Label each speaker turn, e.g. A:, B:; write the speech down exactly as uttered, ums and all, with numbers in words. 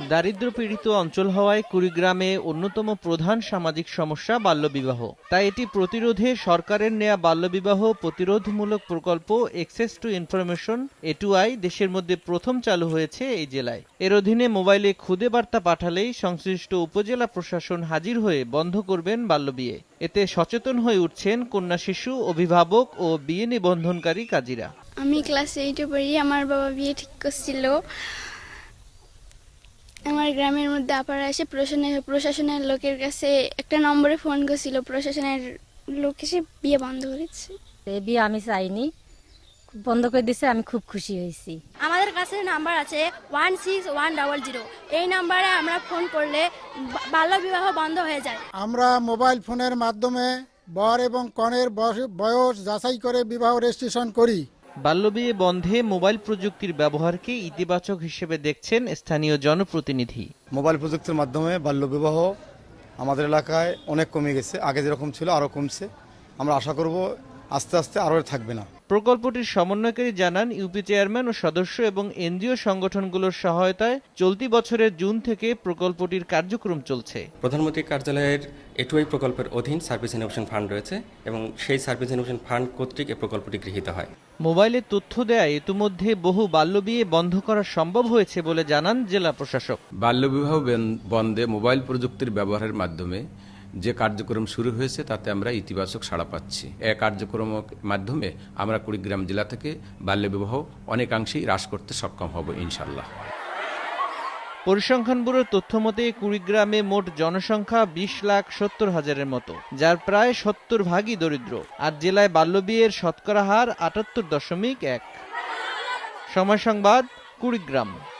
A: দারিদ্র্যপীড়িত অঞ্চল হওয়ায় কুড়িগ্রামে অন্যতম প্রধান সামাজিক সমস্যা বাল্যবিবাহ। তাই এটি প্রতিরোধে সরকারের নেয়া বাল্যবিবাহ প্রতিরোধমূলক প্রকল্প access to information A two I দেশের মধ্যে প্রথম চালু হয়েছে এই জেলায়। এর অধীনে মোবাইলে খুদে বার্তা পাঠালেই সংশ্লিষ্ট উপজেলা প্রশাসন হাজির হয়ে বন্ধ করবেন বাল্যবিয়ে। এতে সচেতন হয়ে উঠছেন কন্যা শিশু, অভিভাবক ও বিয়ে নিবন্ধনকারী কাজীরা।
B: আমি ক্লাস এইটে পড়ি। আমার বাবা বিয়ে ঠিক করছিল। আমার গ্রামের মধ্যে আপারা এসে প্রশাসনের প্রশাসনের লোকের কাছে একটা নম্বরে ফোন করেছিল। প্রশাসনের লোক এসে বিয়ে বন্ধ করেছে।
C: এই বিয়ে আমি চাইনি, বন্ধ করে দিয়েছে, আমি খুব খুশি হয়েছি।
D: আমাদের কাছে নাম্বার আছে one six one double zero. এই নাম্বারে আমরা ফোন করলে বাল্যবিবাহ বন্ধ হয়ে যায়।
E: আমরা মোবাইল ফোনের মাধ্যমে বর এবং কনের বয়স যাচাই করে বিবাহ রেজিস্ট্রেশন করি।
A: বাল্যবিয়ে বন্ধে মোবাইল প্রযুক্তির ব্যবহারকে ইতিবাচক হিসেবে দেখছেন স্থানীয় জনপ্রতিনিধি।
F: মোবাইল প্রযুক্তির মাধ্যমে বাল্যবিবাহ আমাদের এলাকায় অনেক কমে গেছে, আগে যেরকম ছিল আরও কমছে। আমরা আশা করব আস্তে আস্তে আরও থাকবে না।
A: প্রকল্পটির সমন্বয়কারী জানান, ইউপি চেয়ারম্যান ও সদস্য এবং এনজিও সংগঠনগুলোর সহায়তায় চলতি বছরের জুন থেকে প্রকল্পটির কার্যক্রম চলছে।
G: প্রধানমন্ত্রী কার্যালয়ের এ টু আই প্রকল্পের অধীন সার্ভিস ইনোভেশন ফান্ড রয়েছে এবং সেই সার্ভিস ইনোভেশন ফান্ড কর্তৃক এই প্রকল্পটি গৃহীত হয়।
A: মোবাইলে তথ্য দেয় ইতিমধ্যে বহু বাল্যবিয়ে বন্ধ করা সম্ভব হয়েছে বলে জানান জেলা প্রশাসক।
H: বাল্যবিবাহ বন্ধে মোবাইল প্রযুক্তির ব্যবহারের মাধ্যমে যে কার্যক্রম শুরু হয়েছে তাতে আমরা ইতিবাচক সাড়া পাচ্ছি। এই কার্যক্রমের মাধ্যমে আমরা কুড়িগ্রাম জেলা থেকে বাল্যবিবাহ অনেকাংশেই হ্রাস করতে সক্ষম হব ইনশাল্লাহ।
A: পরিসংখ্যান ব্যুরোর তথ্য মতে কুড়িগ্রামে মোট জনসংখ্যা বিশ লাখ সত্তর হাজারের মতো, যার প্রায় সত্তর ভাগই দরিদ্র। আর জেলায় বাল্যবিয়ের শতকরা হার আটাত্তর দশমিক এক। সময় সংবাদ, কুড়িগ্রাম।